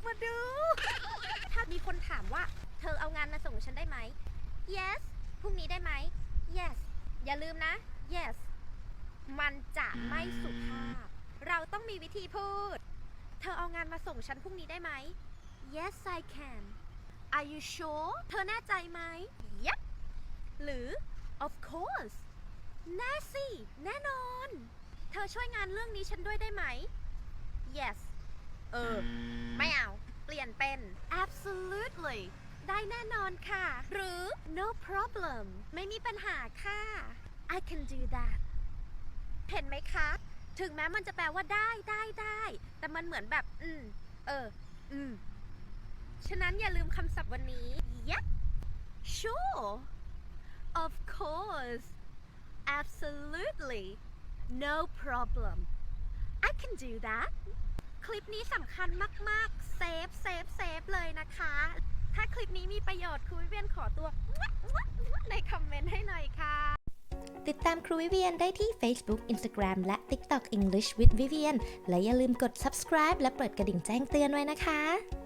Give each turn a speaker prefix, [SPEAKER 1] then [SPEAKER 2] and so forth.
[SPEAKER 1] มาดู ถ้ามีคนถามว่าเธอเอางานมาส่งฉันได้ไหม yes พรุ่งนี้ได้ไหม yes อย่าลืมนะ yes มันจะไม่สุภาพ เราต้องมีวิธีพูด เธอเอางานมาส่งฉันพรุ่งนี้ได้ไหม yes I can are you sure เธอแน่ใจไหม yep หรือ of course แน่สิแน่นอน เธอช่วยงานเรื่องนี้ฉันด้วยได้ไหม yes ไม่เอา เปลี่ยนเป็น absolutely ได้แน่นอนค่ะ หรือ no problem ไม่มีปัญหาค่ะ I can do that เห็นไหมคะ ถึงแม้มันจะแปลว่าได้ แต่มันเหมือนแบบ ฉะนั้นอย่าลืมคำศัพท์วันนี้ yep sure of course absolutely no problem I can do that คลิปนี้สำคัญมากๆเซฟเลยนะคะ ถ้าคลิปนี้มีประโยชน์ครูวิเวียนขอตัวในคอมเมนต์ให้หน่อยค่ะ
[SPEAKER 2] ติดตามครูวิเวียนได้ที่ Facebook Instagram และ TikTok English with Vivian และอย่าลืมกด subscribe และเปิดกระดิ่งแจ้งเตือนไว้นะคะ